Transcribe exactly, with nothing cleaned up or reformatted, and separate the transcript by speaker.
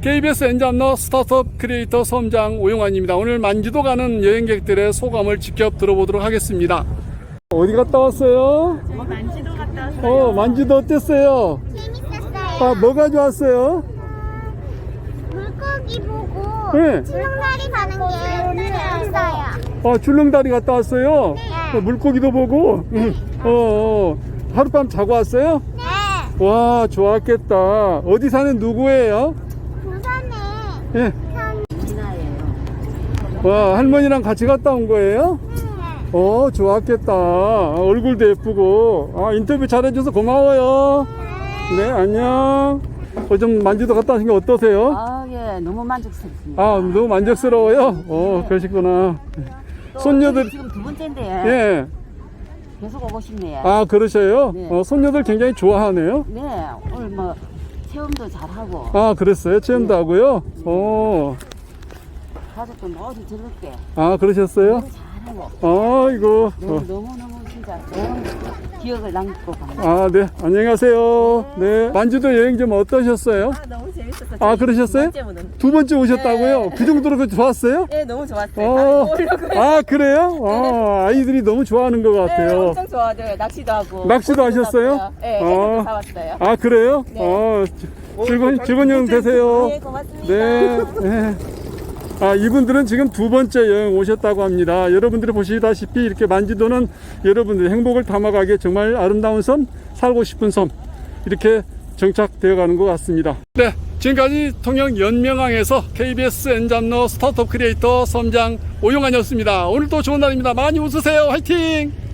Speaker 1: 케이비에스 엔잡러 스타트업 크리에이터 섬장 오용환입니다. 오늘 만지도 가는 여행객들의 소감을 직접 들어보도록 하겠습니다. 어디 갔다 왔어요?
Speaker 2: 저희 만지도 갔다 왔어요.
Speaker 1: 어, 만지도 어땠어요?
Speaker 2: 재밌었어요.
Speaker 1: 아, 뭐가 좋았어요?
Speaker 2: 물고기 보고
Speaker 1: 네.
Speaker 2: 출렁다리 가는 게 재밌어요.
Speaker 1: 아, 줄렁다리 갔다 왔어요?
Speaker 2: 네.
Speaker 1: 어, 물고기도 보고? 응. 어, 어, 하룻밤 자고 왔어요?
Speaker 2: 네.
Speaker 1: 와, 좋았겠다. 어디 사는 누구예요?
Speaker 2: 부산에
Speaker 1: 예.
Speaker 2: 산 미나예요.
Speaker 1: 와, 할머니랑 같이 갔다 온 거예요?
Speaker 2: 네.
Speaker 1: 어, 좋았겠다. 아, 얼굴도 예쁘고. 아, 인터뷰 잘해줘서 고마워요. 네, 안녕. 어, 좀 만지도 갔다 오신 게 어떠세요?
Speaker 3: 아, 예, 너무 만족스럽습니다.
Speaker 1: 아, 너무 만족스러워요? 어, 그러시구나.
Speaker 3: 또
Speaker 1: 손녀들,
Speaker 3: 지금 두 번째인데
Speaker 1: 예.
Speaker 3: 계속 오고 싶네요.
Speaker 1: 아, 그러셔요?
Speaker 3: 네.
Speaker 1: 어, 손녀들 굉장히 좋아하네요.
Speaker 3: 네, 오늘 뭐 체험도 잘하고
Speaker 1: 아, 그랬어요? 체험도 하고요? 어,
Speaker 3: 가족도 모두 즐겁게
Speaker 1: 아, 그러셨어요?
Speaker 3: 너무 잘하고
Speaker 1: 아이고.
Speaker 3: 너무
Speaker 1: 어.
Speaker 3: 너무 너무 진짜 좋은 기억을 남기고 갑니다.
Speaker 1: 아, 네. 안녕히 가세요. 네. 만주도 여행 좀 어떠셨어요?
Speaker 4: 아, 너무 재밌었어요.
Speaker 1: 아, 그러셨어요?
Speaker 4: 두 번째는.
Speaker 1: 두 번째 오셨다고요?
Speaker 4: 네.
Speaker 1: 그 정도로 그 좋았어요?
Speaker 4: 네, 너무 좋았어요.
Speaker 1: 어,
Speaker 4: 다음에 또 오려고요.
Speaker 1: 아, 그래요? 아, 아이들이 너무 좋아하는 것
Speaker 4: 네,
Speaker 1: 같아요.
Speaker 4: 엄청 좋아하죠. 낚시도 하고.
Speaker 1: 낚시도
Speaker 4: 고기도
Speaker 1: 하셨어요?
Speaker 4: 잡고요. 네,
Speaker 1: 어.
Speaker 4: 해산도 사왔어요.
Speaker 1: 아, 그래요?
Speaker 4: 네.
Speaker 1: 어, 즐거운, 즐거운 여행 되세요.
Speaker 4: 네, 고맙습니다.
Speaker 1: 네. 네. 아, 이분들은 지금 두 번째 여행 오셨다고 합니다. 여러분들이 보시다시피 이렇게 만지도는 여러분들의 행복을 담아가기에 정말 아름다운 섬, 살고 싶은 섬, 이렇게 정착되어 가는 것 같습니다. 네. 지금까지 통영 연명항에서 케이비에스 엔잡러 스타트업 크리에이터 섬장 오용환이었습니다. 오늘도 좋은 날입니다. 많이 웃으세요. 화이팅!